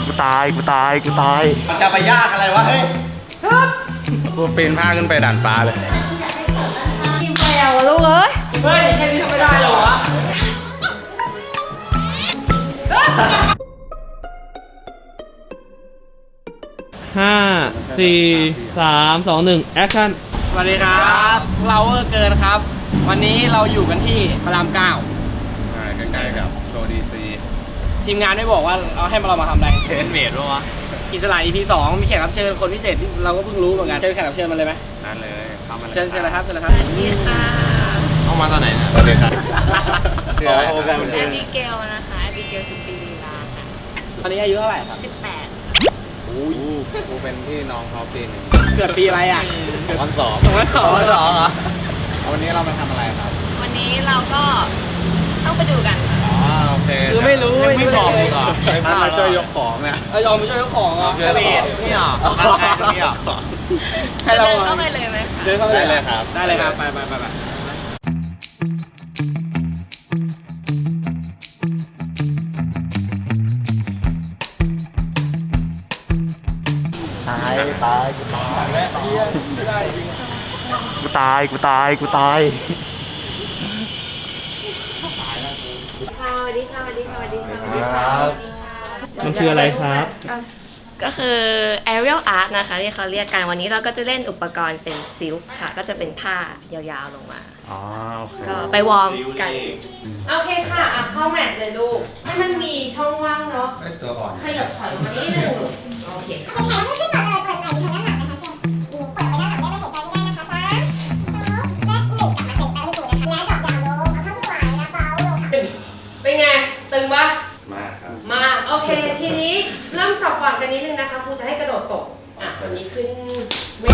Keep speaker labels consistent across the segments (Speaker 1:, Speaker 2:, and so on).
Speaker 1: กูตาย
Speaker 2: มันจะไปยากอะไรวะเฮ้ย
Speaker 3: กูปีนผ้าขึ้นไปด่านฟ้าเลย
Speaker 4: กินไปเอาลูกเอ้ยเฮ้ยแค่นี้ทำไม่ได้หรอวะ
Speaker 5: 5 4 3 2 1แอคชั่น
Speaker 4: สวัสดีครับเราเกินครับ วันนี้เราอยู่กันที่พระราม9
Speaker 3: ใกล้ๆกับโชว์ดีซี
Speaker 4: ทีมงานไม่บอกว่าเราให้เรามาทำอะไร
Speaker 3: เทนเมดวะ
Speaker 4: อิสระ EP 2มีแขกรับเชิญคนพิเศษที่เราก็เพิ่งรู้เหมือนกันเชิญแขกรับเชิญมาเลยไหม
Speaker 3: นั่นเลยเข้ามาเลย
Speaker 4: เชิญเลยครับเชิญเลยครับสวัสดีค่ะ
Speaker 3: เข้ามาตอนไหนนะสวัสดีครับ
Speaker 1: แอ
Speaker 6: บิเกลนะคะบิเกลสุปีลีลาค่ะ
Speaker 4: ตอนนี้อายุเท่าไหร่ครับ
Speaker 6: 18
Speaker 3: อู้ยกูเป็นพี่น้องเขาปีนึง
Speaker 4: เกิดปีอะไรอ่ะ
Speaker 3: 2002
Speaker 4: เหรอ
Speaker 3: วันนี้เรามาทำอะไรครับ
Speaker 6: วันนี้เราก็ต้องไปดูกัน
Speaker 3: อ๋อโอเค
Speaker 4: คือไม่รู้
Speaker 3: ไม่บอกเลยก่อนมาช่วยยกของเนี่ย
Speaker 4: ยอมไปช่วยยกของอ่ะ
Speaker 3: เดินนี่หรอนี่หรอ
Speaker 4: ให้เรา
Speaker 6: เดินเข้าไปเลยไหมคะ
Speaker 4: เดินเข้าไป
Speaker 3: ได้เลยครับ
Speaker 4: ได้เลยครับไป
Speaker 1: กูตาย
Speaker 4: สวัสดีค่ะ
Speaker 5: มันคืออะไรครับ
Speaker 6: ก็คือ Aerial Art นะคะที่เขาเรียกกันวันนี้เราก็จะเล่นอุปกรณ์เป็นซิลค์ค่ะก็จะเป็นผ้ายาวๆลงมา
Speaker 1: อ๋อโอเค
Speaker 6: ก็ไปวอร์มกัน
Speaker 4: โอเคค่ะเข้าแมทเลยลูกให้มันมีช่องว่างเนาะขยับถอยมานิดนึงโอเคเป็นไงตึงปะ
Speaker 3: มากครับ
Speaker 4: มาโอเคทีนี้เริ่มสับหว่างกันนิดนึงนะคะครูจะให้กระโดดตกส่วนนี้ขึ้นไม่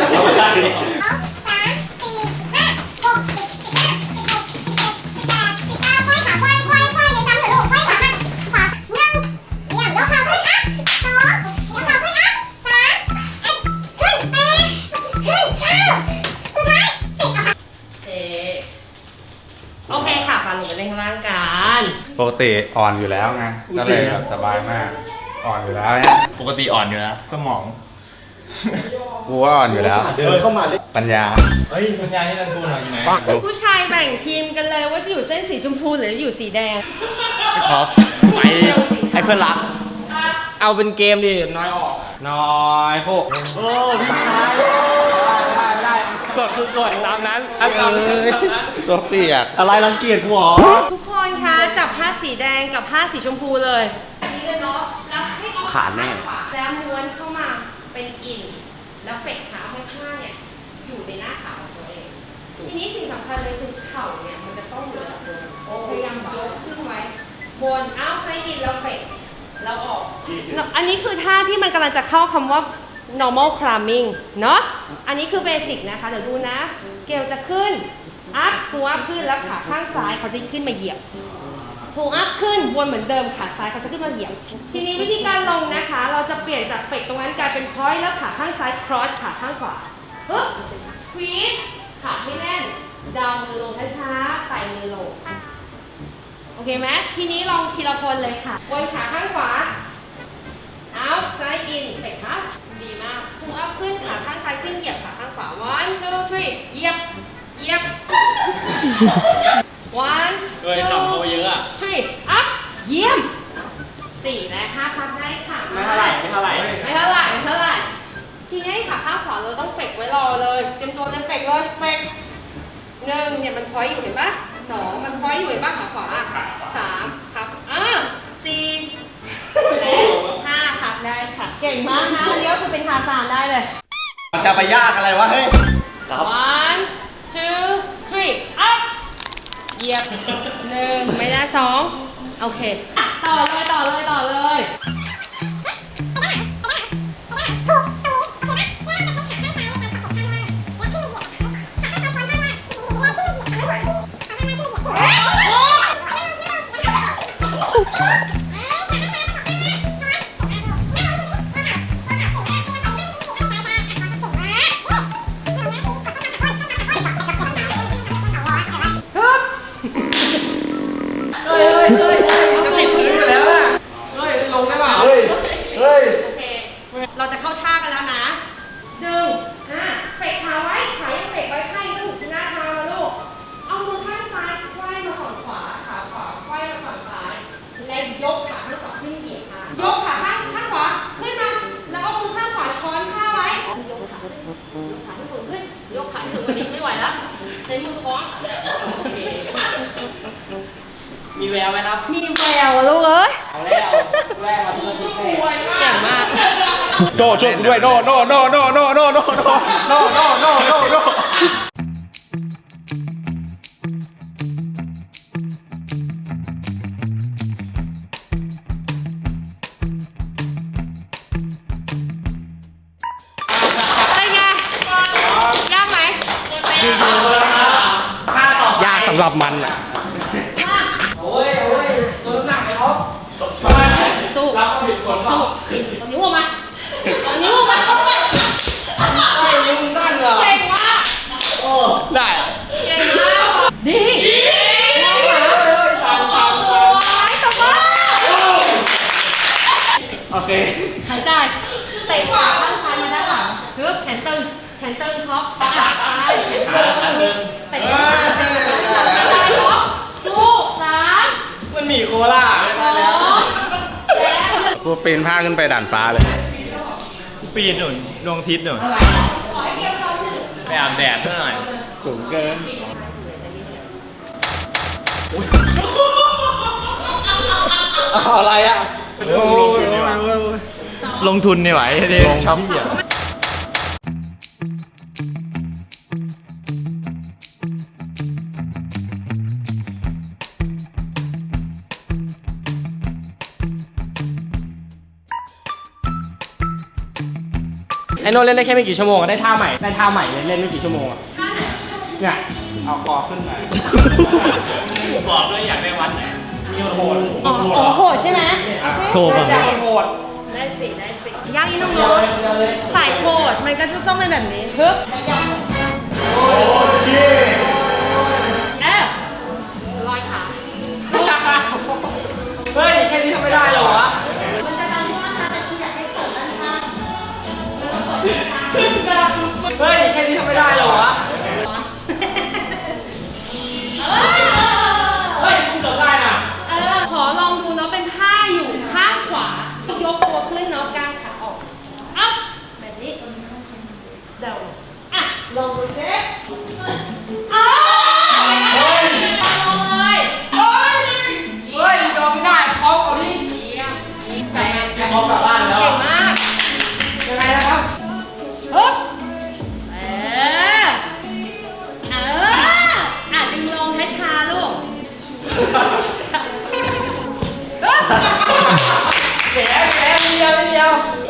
Speaker 4: โอเคค่ะมาลงไปเล่นข้างล่างกัน
Speaker 3: ปกติอ่อนอยู่แล้วไงก็เลยแบบสบายมากอ่อนอยู่แล้วเนี่ย
Speaker 1: ปกติอ่อนอยู่แล้วสมอง
Speaker 3: กูว่าอ่อนอยู่แล้ว
Speaker 2: เดินเข้ามา
Speaker 3: ปัญญา
Speaker 1: ปัญญานี่นันกูหน่อยอยู่ไหน
Speaker 4: ผู้ชายแบ่งทีมกันเลยว่าจะอยู่เส้นสีชมพูหรืออยู่สีแดง
Speaker 1: ครับไปให้เพื่อนรัก
Speaker 4: เอาเป็นเกมดิน้อยออกน้อยพวก
Speaker 2: โอ้พี่ชาย
Speaker 4: ได้กดคือกดตามนั้น
Speaker 3: ตัวเปียก
Speaker 2: อะไรรังเกียจกูหรอ
Speaker 4: ทุกคนคะจับผ้าสีแดงกับผ้าสีชมพูเลยนี่เลยเนาะแล้วให้เอา
Speaker 1: ขาแน่
Speaker 4: แล้วม้วนเข้ามาเป็นอินแล้วเฟกขาให้ผ้าเนี่ยอยู่ในหน้าขาของตัวเองทีนี้สิ่งสำคัญเลยคือเข่าเนี่ยมันจะต้องอยู่ระดับเดิมพยายามยกขึ้นไว้บนเอาไซด์อินแล้วเฟกแล้วออกอันนี้คือท่าที่มันกำลังจะเข้าคำว่า normal climbing เนาะอันนี้คือเบสิกนะคะเดี๋ยวดูนะเกลจะขึ้นอัพหัวขึ้นแล้วขาข้างซ้ายเขาจะขึ้นมาเหยียบพุงอัพขึ้นวนเหมือนเดิมขาซ้ายเขาจะขึ้นมาเหยียบทีนี้วิธีการลงนะคะเราจะเปลี่ยนจากเฟกตรงนั้นกลายเป็นพอยต์แล้วขาข้างซ้าย cross ขาข้างขวาปึ๊บ squeeze ขาให้แน่นดาวมือลงช้าๆไต่มือลงโอเคไหมทีนี้ลองทีละคนเลยค่ะวนขาข้างขวาเอาซ้ายอินเฟกครับดีมากพุงอัพขึ้นขาข้างซ้ายขึ้นเหยียบขาข้างขวา 1 2 3เหยียบ1 2 3 up เยี่ยม4และ5พักได้ค่ะไม่เท่าไหร่ทีนี้ขาข้างขวาเราต้องเฟกไว้รอเลยเตรียมตัวจะเฟกเลยเฟก1เนี่ยมันพอยอยู่เห็นปะ2มันพอยอยู่เห็นปะขาขวา3ครับ4และ5พักได้ค่ะเก่งมากนะเดี๋ยวคุณเป็นทาซานได้เลย
Speaker 2: มันจะไปยากอะไรวะเฮ้ย
Speaker 4: 1 2 3 up เหยียบ1ไม่ได้2โอเคต่อเลยจะติดพื้นอยู่แล้วอะลงได้เปล่า
Speaker 7: แววไหมครับ
Speaker 6: มีแววอะลูกเอ้ย
Speaker 7: เอาแล้วแรกมาที่ที่แรก
Speaker 6: เก่งมาก
Speaker 2: โดช่วยกูด้วยโดโดโดโดโดโดโดโดโดโดโดโดโด
Speaker 6: เป็นไง ยากไหม
Speaker 7: ยากสำหรับมันอ่ะ
Speaker 6: ยาก
Speaker 7: โอ้ยตัวหนักเลยครับ
Speaker 6: สู้
Speaker 7: รับผิดคน
Speaker 6: สู้เอานิ้วออกมาเอานิ้วออกมา
Speaker 7: ไม่นิ้วสั้นเหรอ
Speaker 6: เก่งมาก
Speaker 7: ได้อะ
Speaker 6: เก่งมากดีมองหา
Speaker 7: สั้น
Speaker 6: สวยตบมือ
Speaker 2: โอเค
Speaker 6: หายใจเตะขาข้างซ้ายมาด้านหลังฮึบแขนตึงท็อปซ้ายแขนตึงเตะขาซ้ายท็อปสู้สาม
Speaker 7: มันหมีโคล่า
Speaker 6: สองแล้ว
Speaker 3: กูปีนผ้าขึ้นไปด่านฟ้าเลย
Speaker 1: ปีนหนุนดวงอาทิตย์หนุน
Speaker 6: ขอให้เกียวซ้อมหนึ่ง
Speaker 1: ไปอาบแดดหน่อย
Speaker 3: สูงเกิน
Speaker 2: อะไรอ่ะ
Speaker 1: ลงทุนนี่ไหวดิชอบเหี้ย
Speaker 7: ไอโน่เล่นได้แค่ไม่กี่ชั่วโมงได้ท่าใหม่เลยเล่นไม่กี่ชั่วโมงอะเนี่ยเอาคอขึ้นมา
Speaker 1: บอกด้วยอยากได้วันไหน
Speaker 7: มีโหด
Speaker 6: อ๋อโหดใช่ไหม
Speaker 5: โชว์ก่อน
Speaker 7: ใจโหด
Speaker 6: ได้สิย่างนี่น้องๆสายโหดมันก็จะต้องเป็นแบบนี้ฮึบลอยขาสู้
Speaker 7: เฮ้ยแค่นี้ทำไม่ได้เหรอวะ
Speaker 6: มันจะดังมากนะแต่คุณอยากให้เปิดด้านข้าง
Speaker 7: เฮ้ยแค่นี้ทำไม่ได้เหรอวะเฮ้ยกูเกือบได้น่ะ
Speaker 6: ขอลองดูเนาะเป็นท่าอยู่ข้างขวา ยกตัวขึ้นเนาะกางขาออกอัพแบบนี้เดาอ่ะลองดูสิลองเลย
Speaker 7: เฮ้ยยอมไม่ได้เขาเอาดิ
Speaker 6: เยี่ยม
Speaker 2: แม่จะพร้อมกลับบ้านแล้ว
Speaker 6: เก่งมาก
Speaker 7: ยังไงนะครับ
Speaker 6: ฮึบดึงลงช้าๆลูกฮึบ
Speaker 7: แกนิดเดียวเพื่อนนิดเดียว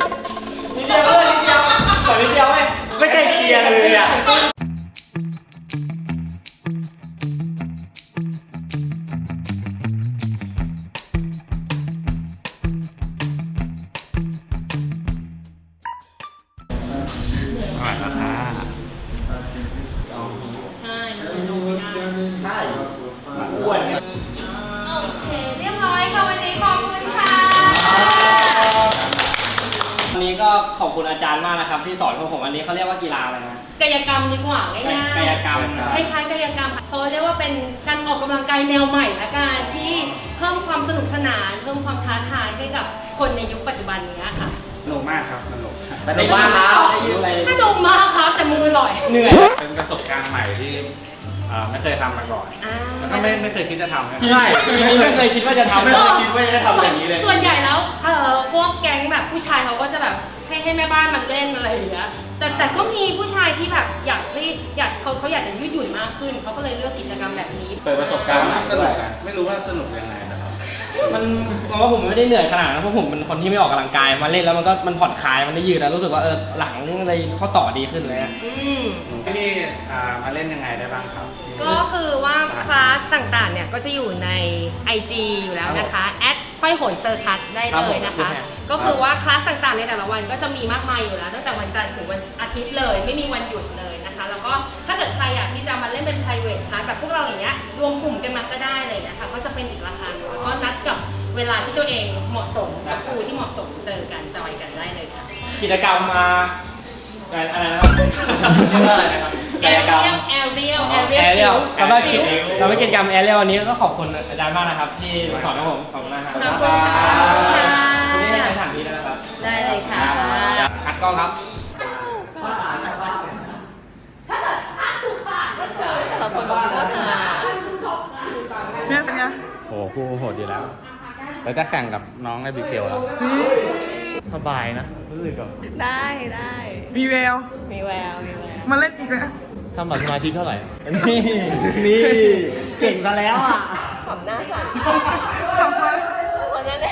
Speaker 7: ขอนิดเดียวไหม
Speaker 2: ไม่ใกล้เคียงเลยอ่ะ
Speaker 3: อร่อยราคา
Speaker 6: ใช่มันเป็นลงไม่ได้
Speaker 2: ใช่อ้วนเนี่ย
Speaker 6: โอเค เรียบร้อยค่ะวันนี้ขอบคุณค่ะ
Speaker 7: วันนี้ก็ขอบคุณอาจารย์มากนะครับ ที่สอนพวกผมอันนี้เขาเรียกว่ากีฬาอะไรนะ
Speaker 6: กายกรรมดีกว่าง่ายๆ
Speaker 7: กายกรรม
Speaker 6: คล้ายๆกายกรรมเขาเรียกว่าเป็นการออกกำลังกายแนวใหม่ละกันที่เพิ่มความสนุกสนานเพิ่มความท้าทายให้กับคนในยุคปัจจุบันนี้ค่ะ
Speaker 3: สนุกมากครับสนุก
Speaker 2: สนุกมากครับ
Speaker 7: ได้ยืนอะไร
Speaker 6: สนุกมากครับแต่มือลอย
Speaker 7: เหนื่อย
Speaker 3: เป็นประสบการณ์ใหม่ที่ไม่เคยทำมาก่อน
Speaker 6: อ่า
Speaker 3: แล้วก็ไม่เคยคิดจะทำนะ
Speaker 2: ใช่
Speaker 7: ไม่เคยคิดว่าจะทำ
Speaker 2: ไม่เคยคิดว่าจะได้ทำอย่างนี้เลย
Speaker 6: ส่วนใหญ่แล้วพวกแก๊งแบบผู้ชายเขาก็จะแบบให้แม่บ้านมันเล่นอะไรอย่างเงี้ยแต่ก็มีผู้ชายที่แบบเขาอยากจะยืดหยุ่นมากขึ้นเขาก็เลยเลือกกิจกรรมแบบนี้
Speaker 2: เปิดประสบการณ์
Speaker 3: สนุกอะไม่รู้ว่าสนุกยังไงนะครับ
Speaker 7: มันว่าผมไม่ได้เหนื่อยขนาดนั้นเพราะผมเป็นคนที่ไม่ออกกำลังกายมาเล่นแล้วมันผ่อนคลายมันได้ยืดแล้วรู้สึกว่าหลังอะไรข้อต่อดีขึ้นเลยอะ
Speaker 3: ที่นี่มาเล่นยังไงได้บ้างครับ
Speaker 6: ก็คือว่าคลาสต่างๆเนี่ยก็จะอยู่ใน IG อยู่แล้วนะคะห้อยโหนเซอร์คัสได้เลยนะคะ ก็คือว่าคลาสต่างๆในแต่ละวันก็จะมีมากมายอยู่แล้วตั้งแต่วันจันทร์ถึงวันอาทิตย์เลยไม่มีวันหยุดเลยนะคะ แล้วก็ถ้าเกิดใครอยากที่จะมาเล่นเป็น private class แบบพวกเราอย่างเงี้ยรวมกลุ่มกันมาก็ได้เลยนะคะก็จะเป็นอีกราคาหนึ่งแล้วก็นัดกับเวลาที่ตัวเองเหมาะสมกับครูที่เหมาะสมเจอกันจอยกันได้เลยค่ะ
Speaker 7: กิจกรรมมาอะไรนะครับ
Speaker 2: เรียกว่าอะไรนะครับกายกรรม
Speaker 6: แอเรียล
Speaker 7: เราได้กิจกรรมแอเรียลวันนี้ก็ขอบคุณอาจารย์มากนะครับ ที่สอนให้ผมขอบคุณมากครับ
Speaker 6: ขอบคุณค่ะ
Speaker 7: วันนี้ให้ใช้สถานที่ด้วยนะครับ
Speaker 6: ได้เลยค่ะ
Speaker 7: คัดกล้องครับ
Speaker 3: โอ้ครูโหดอยู่แล้วแล้วจะแข่งกับน้องไอบิเกลแล้ว
Speaker 1: สบายนะรู้สึกแบบ
Speaker 6: ได้ได้
Speaker 8: มีแวว
Speaker 6: มีแววมีแวว
Speaker 8: มาเล่นอีกแล้ว
Speaker 1: ทำบัตรสมาชิกเท่าไหร่
Speaker 2: นี่เก่งซะแล้วอ่ะ
Speaker 6: ขำหน้าสั่น
Speaker 8: ขอบคุณ
Speaker 6: คนนั้นเลย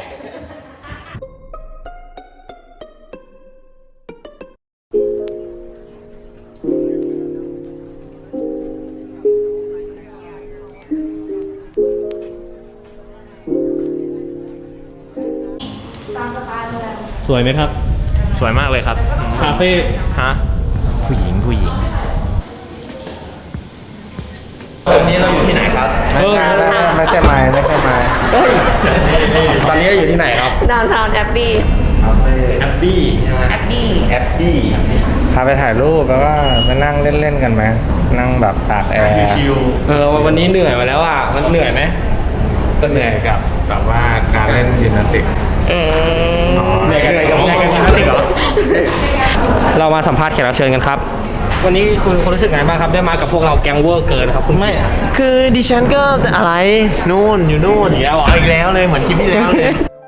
Speaker 5: สวยไหมครับ
Speaker 1: สวยมากเลยครับ
Speaker 5: คาเฟ่
Speaker 1: ฮะผู้หญิงวันนี้เราอยู่ที่ไหนครับ
Speaker 3: ไม่ใช่ไม้ไม่ใช่ไม้
Speaker 7: ตอนนี้อยู่ที่ไหนครับ
Speaker 6: ดาวน์ทาวน์แอบบี้
Speaker 1: แอปปี้ใช่ไหม
Speaker 6: แอบบี้
Speaker 2: แอปปี้
Speaker 3: พาไปถ่ายรูปแล้วก็มานั่งเล่นๆกันไหมนั่งแบบตากแอร์
Speaker 1: ชิว
Speaker 7: วันนี้เหนื่อยมาแล้วอ่ะ มันเหนื่อยไหม
Speaker 3: ก็เหนื่อยกับแบบว่าการเล่นยิมนาสติก
Speaker 7: เหนื่อยกันยิมนาสติกเหรอ เรามาสัมภาษณ์แขกรับเชิญกันครับ วันนี้คุณรู้สึกไงบ้างครับ ได้มากับพวกเราแก๊งเวอร์เกินครับคุณ
Speaker 9: ไม่ คือดิฉันก็อะไรนู่นอยู่นู่น
Speaker 7: อีกแล้วเหรอ
Speaker 9: อีกแล้วเลยเหมือนคลิปที่แล้วเลย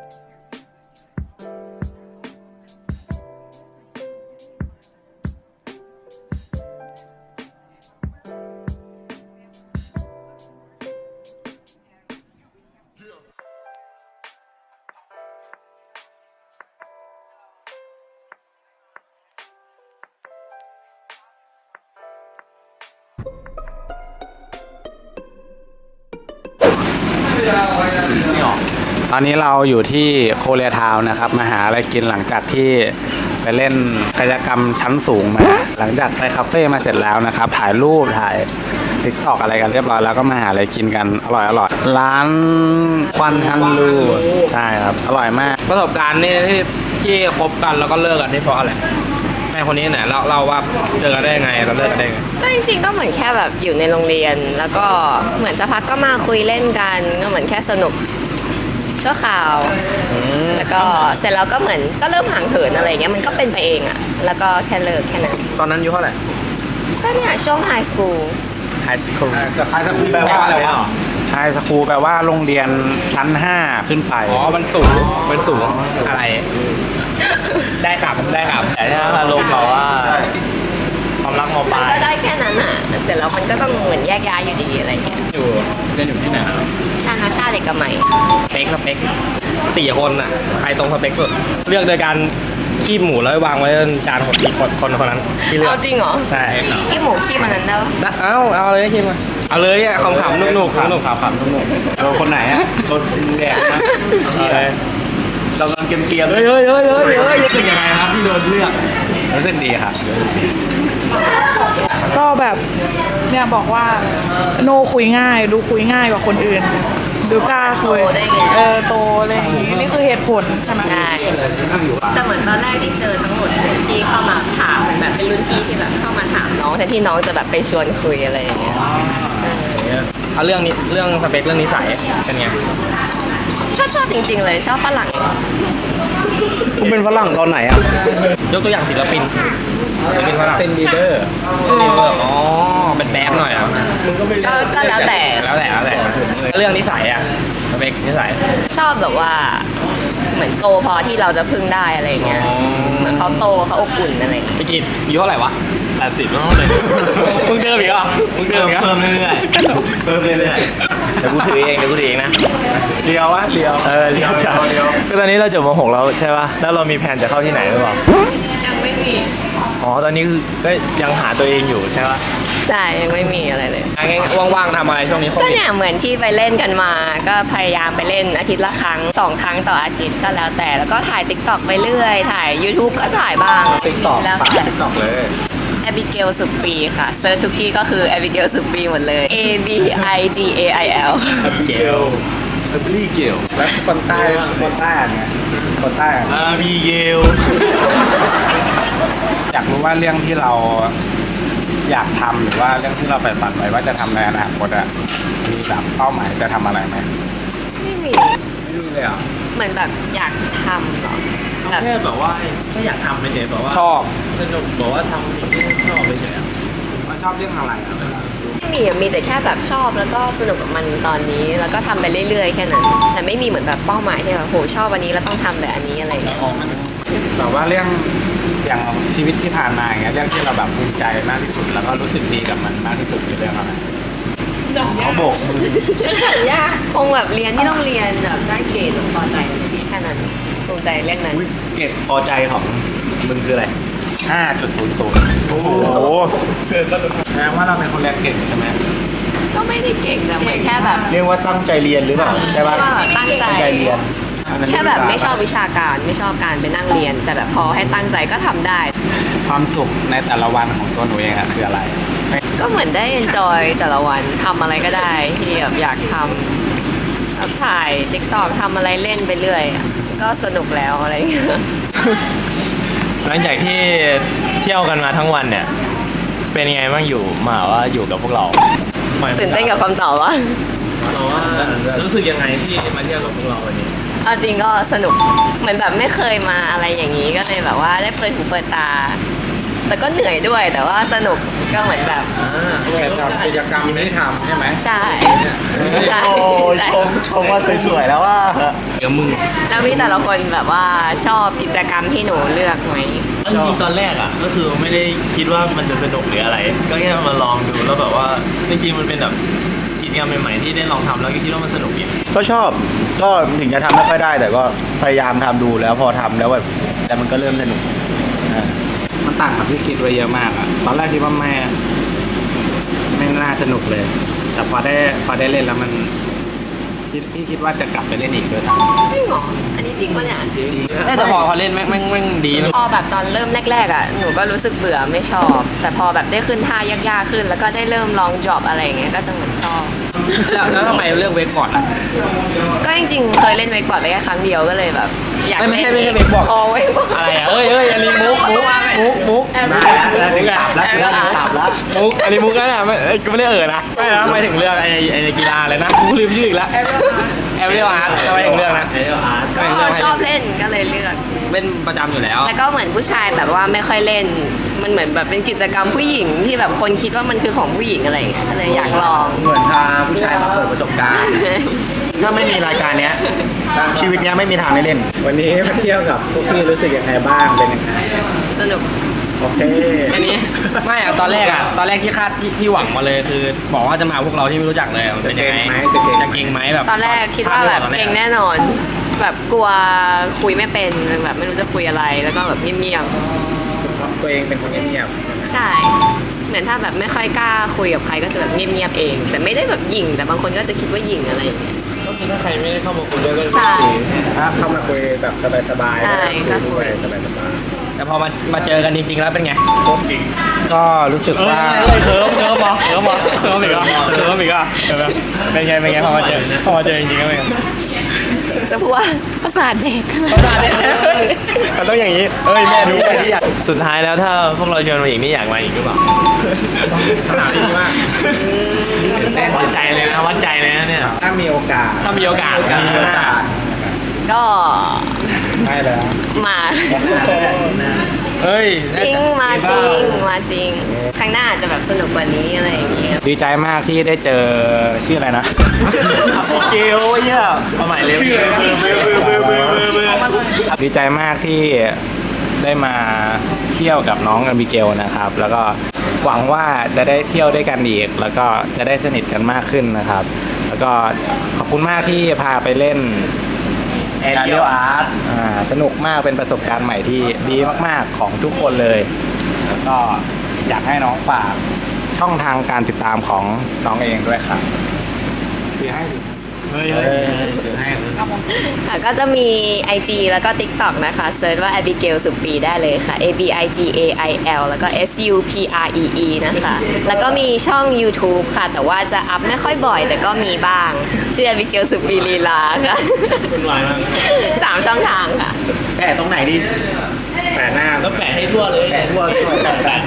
Speaker 3: ตอนนี้เราอยู่ที่โคเรียทาวน์นะครับมาหาอะไรกินหลังจากที่ไปเล่นกายกรรมชั้นสูงมา หลังจากไปคาเฟ่มาเสร็จแล้วนะครับ ถ่ายรูปถ่ายทิกตอกอะไรกันเรียบร้อยแล้วก็มาหาอะไรกินกันอร่อยร้านควันฮันลูใช่ครับอร่อยมาก
Speaker 7: ประสบการณ์นี่ที่คบกันแล้วก็เลิกกันนี่เพราะอะไรแม่คนนี้เนี่ยเราว่าเจอกันได้ยังไงเราเลิกกันได้ยังไง
Speaker 6: ก็จริงๆก็เหมือนแค่แบบอยู่ในโรงเรียน แล้วก็เหมือนสักพักก็มาคุยเล่นกันก็เหมือนแค่สนุกชั่วคราวแล้วก็เสร็จแล้วก็เหมือนก็เริ่มห่างเหินอะไรเงี้ยมันก็เป็นไปเองอะแล้วก็แค่เลิกแค่นั้น
Speaker 7: ตอนนั้นอายุเท่าไหร่
Speaker 6: ก็เนี่ยช่วงไฮสคูล
Speaker 7: ไฮสคูล
Speaker 3: ไฮสคูลแปลว่าอะไรวะไฮสคูลแปลว่าโรงเรียนชั้น 5 ขึ้นไป
Speaker 7: อ๋อมันสูงอะไร ได้ครับได้ครับ
Speaker 1: แต่ถ้าอารมณ์แบบว่าความรักมป
Speaker 6: มั
Speaker 1: ลาน ย
Speaker 6: ก็ได้แค่นั้นอะเสร็จแล้วมันก็ต้องเหมือนแยกย้ายอยู่ดีอะไรเงี้ย
Speaker 1: เล่นอยู่ที่ไหนครับ
Speaker 6: นานาชาติเด็กกับใหม่
Speaker 7: สเปค4 คนอ่ะใครตรงสเปคสุดเลือกโดยการคีบหมูแล้ววางไว้บนจานของอีกคนนั้นที่เลือก
Speaker 6: เอาจริงเหรอ
Speaker 7: ใช่
Speaker 6: ขี้หมูขี้มันนั้นได้ปะ
Speaker 7: เอาเลยคีบมาเอาเลยอ่ะขำๆนุกๆสนุก
Speaker 2: เราคนไหนอ่ะคนแดกนะเรากำลังเกมๆ
Speaker 7: เฮ้ยรู้สึกยังไงครับที่โดนเลือก
Speaker 3: รู้สึกดีครับ
Speaker 8: ก็แบบเนี่ยบอกว่าโนคุยง่าย ดูคุยง่ายกว่าคนอื่น ดูกล้าคุย
Speaker 6: โตได้ไง
Speaker 8: โตอะไรอย่างงี้นี่คือเหตุผลใช่ไหม
Speaker 6: ใช่แต่เหมือนตอนแรกที่เจอทั้งหมดที่เข้ามาถามเหมือนแบบเป็นรุ่นพี่ที่แบบเข้ามาถามน้องแทนที่น้องจะแบบไปชวนคุยอะไรอย่างเงี้ย
Speaker 7: เอาเรื่องสเปคเรื่องนิสัยเป็นไง
Speaker 6: ก็ชอบจริงๆเลยชอบฝรั่ง
Speaker 9: คุณเป็นฝรั่งตอนไหนอ่ะ
Speaker 7: ยกตัวอย่างศิลปินฝรั่ง
Speaker 3: เป็นลีดเดอร์
Speaker 7: อ๋อเป็นแบดหน่อยอ่ะ
Speaker 6: ก็แล้วแต่
Speaker 7: แล้วแต่เรื่องนิสัยอ่ะสเปคนิสัย
Speaker 6: ชอบแบบว่าเหมือนโตพอที่เราจะพึ่งได้อะไรอย่างเงี้ยเหมือนเขาโตเขาอบอุ่นอะไรอย่างเงี้ย
Speaker 7: พี่กิตอายุเท่าไหร่วะ
Speaker 1: 80ต้องเลย
Speaker 7: มึงเดิมอีกเหรอมึงเดิมอีกเหรอ
Speaker 1: เพิ่มเรื่อยๆเดี๋ยวกูถือเองนะ
Speaker 2: เลียววะเลียว
Speaker 1: เลี้ยวจ้าคือตอนนี้เราจบม.6แล้วใช่ป่ะแล้วเรามีแผนจะเข้าที่ไหนหรือเปล่า
Speaker 6: ยังไม่มี
Speaker 1: อ๋อตอนนี้คือก็ยังหาตัวเองอยู่ใช่ป่ะ
Speaker 6: ใช่ยังไม่มีอะไรเลย
Speaker 7: งั้นว่างๆทำอะไรช่วงนี้โค
Speaker 6: ก็
Speaker 7: วิด
Speaker 6: เนี่ยเหมือนที่ไปเล่นกันมา ก็พยายามไปเล่นอาทิตย์ละครั้ง2 ครั้งต่ออาทิตย์ก็แล้วแต่แล้วก็ถ่าย TikTok ไปเรื่อยถ่าย YouTube ก็ถ่ายบ้าง
Speaker 3: TikTok
Speaker 6: แล้ว
Speaker 3: ปาก
Speaker 6: แต่
Speaker 3: TikTok เลย
Speaker 6: แอบิเกลสุปีค่ะเซิร์ชทุกที่ก็คือแอบิเกลสุปีหมดเลย A B I G A I L
Speaker 1: เกล
Speaker 2: พี่เกี่ยว
Speaker 3: แล้วคนใต้เนี่ยคนใต้อะ
Speaker 1: มีเกล
Speaker 3: อยากรู้ว่าเรื่องที่เราอยากทำหรือว่าเรื่องที่เราใฝ่ฝันไว้ว่าจะทำในอนาคตอะมีแบบเป้าหมายจะทำอะไรไหม
Speaker 6: ไม่มี
Speaker 3: ไม่มีเลยอ่ะ
Speaker 6: เหมือนแบบอยากทำเหรอแบบ
Speaker 1: แค่แบบว่าไม่อยากทำไปเฉยแบบว่า
Speaker 7: ชอบ
Speaker 1: สนุกบอกว่าทำสิ่งที่ชอบไปเฉย
Speaker 3: ว่าชอบเรื่องอะไรอะ
Speaker 6: มีแต่แค่แบบชอบแล้วก็สนุกกับมันตอนนี้แล้วก็ทำไปเรื่อยๆแค่นั้นแต่ไม่มีเหมือนแบบเป้าหมายที่แบบโหชอบวันนี้แล้วต้องทำแบบอันนี้อะไรอย่างเงี้ย
Speaker 3: แบบว่าเรื่องอย่างชีวิตที่ผ่านมาอย่างเงี้ยเรื่องที่เราแบบภูมิใจมากที่สุดแล้วก็รู้สึกดีกับมันมากที่สุดคือเรื่องอะไรเขาโบกมือ
Speaker 6: ยากคงแบบเรียนที่ต้องเรียนแบบได้เกรดพอใจแค่นั้นภูมิใจเรื่องนั้น
Speaker 2: อุ๊ยเก็บพอใจของมึงคืออะไร
Speaker 3: 5.00
Speaker 2: โอ้โห
Speaker 3: แสดงว่าเราเป็นคนเรียนเก่งใช่ไหม
Speaker 6: ก็ไม่ได้เก่งแต่เหมือนแค่แบบ
Speaker 2: เรียกว่าตั้งใจเรียนหรือเปล่าใช่ปะ
Speaker 6: ว่าตั้งใจ
Speaker 2: ตั้งใจเรียน
Speaker 6: แค่แบบไม่ชอบวิชาการไม่ชอบการไปนั่งเรียน แต่แบบพอให้ตั้งใจก็ทำได้
Speaker 3: ความสุขในแต่ละวันของตัวหนูเองอะคืออะไร
Speaker 6: ก็เหมือนได้ enjoy แต่ละวันทำอะไรก็ได้ที่แบบอยากทำแบบถ่าย TikTok ทำอะไรเล่นไปเรื่อยอะก็สนุกแล้วอะไรอย่างเงี้ย
Speaker 1: หลังจากที่เที่ยวกันมาทั้งวันเนี่ย เป็นยังไงบ้างอยู่มาว่าอยู่กับพวกเรา
Speaker 6: ตื่นเต้นกับคำตอบว่า
Speaker 1: รู้สึกยังไงที่มาเที่ยวกับพวกเราวันนี้
Speaker 6: เอาจริงก็สนุกเหมือนแบบไม่เคยมาอะไรอย่างนี้ก็เลยแบบว่าได้เปิดหูเปิดตา แต่ก็เหนื่อยด้วยแต่ว่าสนุกก็เหมือนแบบ
Speaker 3: เกี่ยวกับกิจกรรมที่ทำใช่ไหม
Speaker 6: ใช่ใช่
Speaker 2: โอ้ย
Speaker 6: ใช่
Speaker 2: ชมว่าสวยๆแล้วว่า
Speaker 3: เดี๋ยวมึง
Speaker 6: แล้วพี่แต่ละคนแบบว่าชอบกิจกรรมที่หนูเลือกไหม
Speaker 1: จริงๆตอนแรกอ่ะก็คือไม่ได้คิดว่ามันจะสนุกหรืออะไร ก็แค่มาลองดูแล้วแบบว่าจริงๆมันเป็นแบบกิจกรรมใหม่ๆที่ได้ลองทำแล้วก็คิดว่ามันสนุกดี
Speaker 2: ก็ชอบก็ถึงจะทำไม่ค่อยได้ แต่ก็พยายามทำดูแล้วพอทำแล้วแบบแต่มันก็เริ่มสนุกอ่า
Speaker 3: มันต่างกับที่คิดไว้เยอะมากอะตอนแรกคิดว่าไม่น่าสนุกเลย แต่พอได้เล่นแล้วมันพี่คิดว่าจะกลับไปเล่นอีกด้วยซ้ำ
Speaker 6: จริงเหรออันนี้จริงปะเนี่ย
Speaker 7: แต่พอเล่นแม่งดีนะ
Speaker 6: พอแบบตอนเริ่มแรกๆอ่ะหนูก็รู้สึกเบื่อไม่ชอบ แต่พอแบบได้ขึ้นท่ายากๆขึ้น แล้วก็ได้เริ่มลองดรอปอะไรอย่างเงี้ยก็จะเหมือนชอบ
Speaker 7: แล้วทำไมเลือกเวกก่อนอ่ะ
Speaker 6: ก็จริงๆเคยเล่นเวกบอร์ดไปแค่ครั้งเดียวก็เลยแบบอยาก
Speaker 7: ไม่ใช่
Speaker 6: ล่น
Speaker 7: เวกบอร์ด
Speaker 6: อ๋อเวกบอร์ด
Speaker 7: อะไรอ่ะเอ้ยอันนี้มุก
Speaker 2: ได้แล้วดึงตับแล้วดึงตับแล้ว
Speaker 7: มุกอันนี้มุกนั่นน่ะก็ไม่ได้นะไม่นะไม่ถึงเรื่องไอ้กีฬาเลยนะกูลืมชื่ออีกแล้วแอเรียลอาร์ตทำไมถึงเรื่องนะ
Speaker 6: ก็ชอบเล่นก็เลยเลือก
Speaker 7: เล่นประจำอยู่แล้ว
Speaker 6: แล้วก็เหมือนผู้ชายแบบว่าไม่ค่อยเล่น มันเหมือนแบบเป็นกิจกรรมผู้หญิงที่แบบคนคิดว่ามันคือของผู้หญิงอะไรอย่างเงี้ยก็เลยอยากลอง
Speaker 2: เหมือนพาผู้ชายมาเปิดประสบการณ์ ถ้าไม่มีรายการเนี้ย ชีวิตเนี้ยไม่มีทางได้เล่น
Speaker 3: วันนี้มาเที่ยวกับพวกพี่รู้สึกยังไงบ้างเป็นยังไง
Speaker 6: สนุก
Speaker 3: โอเค
Speaker 7: อันนี้ไม่อะตอนแรกที่คาดที่หวังมาเลยคือบอกว่าจะมาพวกเราที่ไม่รู้จักเลยมันเป็นยังไงจะเก่งไหมแบบ
Speaker 6: ตอนแรกคิดว่าแบบเก่งแน่นอน แบบกลัวคุยไม่เป็นแบบไม่รู้จะคุยอะไรแล้วก็แบบเงียบ
Speaker 3: ตัวเองเป็นคนเงียบ
Speaker 6: ๆใช่ เหมือนถ้าแบบไม่ค่อยกล้าคุยกับใครก็จะแบบเงียบๆเอง แต่ไม่ได้แบบหยิ่งแต่บางคนก็จะคิดว่าหยิ่งอะไรอย่างเงี้ย
Speaker 1: ก็คือถ้าใครไม่ได้เข้ามาคุยด้วยก็
Speaker 6: ใช่
Speaker 3: ๆถ้าเข้ามาคุยแบบสบายๆ
Speaker 6: ใช่ก็คุย
Speaker 3: สบาย
Speaker 7: แต่พอมาเจอกันจริงๆแล้วเป็นไง
Speaker 3: ๆก็รู้สึกว่า
Speaker 7: เคิร์มอีกเหรอเป็นไงพอมาเจอจริงๆก็เป็นไง
Speaker 6: จะพูดว่าประสาทเด็ก
Speaker 7: มันต้องอย่างนี้เอ้ยแม่ดู
Speaker 1: สุดท้ายแล้วถ้าพวกเราชวนมาอีกนี่อยากมาอีกหรือเปล่า
Speaker 3: ขนาดนี้มาก
Speaker 1: วัดใจเลยนะเนี่ย
Speaker 3: ถ้ามีโอกาส
Speaker 7: ถ้ามีโอกาส
Speaker 6: ก็
Speaker 3: ได้แล้ว
Speaker 6: มา
Speaker 7: เฮ้ย
Speaker 6: จริงมาจริงครั้งหน้าอาจจะแบบสนุกกว่านี้อะไรอย่างเงี้ย
Speaker 3: ดีใจมากที่ได้เจอชื่ออะไรนะ
Speaker 1: เกลเนี่ยเอาใหม่เลย
Speaker 3: ดีใจมากที่ได้มาเที่ยวกับน้องอบิเกลนะครับ แล้วก็หวังว่าจะได้เที่ยวด้วยกันอีก แล้วก็จะได้สนิทกันมากขึ้นนะครับ แล้วก็ขอบคุณมากที่พาไปเล่น
Speaker 2: Aerial Art
Speaker 3: สนุกมากเป็นประสบการณ์ใหม่ที่ดีมากๆของทุกคนเลย แล้วก็อยากให้น้องฝากช่องทางการติดตามของน้องเองด้วยครับคือให้
Speaker 6: ค่ะก็จะมี IG แล้วก็ TikTok นะคะเซิร์ชว่า Abigail สุปีได้เลยค่ะ ABIGAIL แล้วก็ SUPREE นะคะ แล้วก็มีช่อง YouTube ค่ะ แต่ว่าจะอัพไม่ค่อยบ่อย แต่ก็มีบ้าง ชื่อ Abigail สุปีลีลาค่ะ
Speaker 1: คุณวายมาก
Speaker 6: 3 ช่องทางค่ะ
Speaker 2: แปะตรงไหนดี
Speaker 3: แปะหน้า
Speaker 1: แล้วแปะให้ทั่วเลย
Speaker 2: แปะทั่วแปะ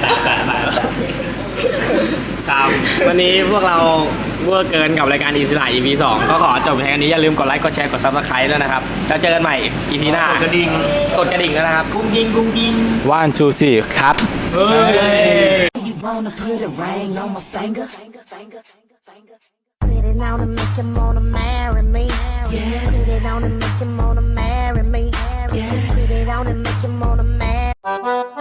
Speaker 7: ครับวันนี้พวกเราเวอร์เกินกับรายการอิสระ EP 2 ก็ขอจบแค่นี้อย่าลืมกดไลค์กดแชร์กด Subscribe ด้วยนะครับแล้วเจอกันใหม่ EP หน้าก
Speaker 2: ดกระดิ่ง
Speaker 7: กดกระดิ่งด้วยนะครับ
Speaker 2: กุ้งยิง
Speaker 3: 1 2 3ครับ
Speaker 1: เฮ้ย
Speaker 10: wanna put a ring on my finger. Put it on and make him wanna marry me. Yeah. Put it on and make him wanna marry me. Yeah. Put it on and make him wanna marry.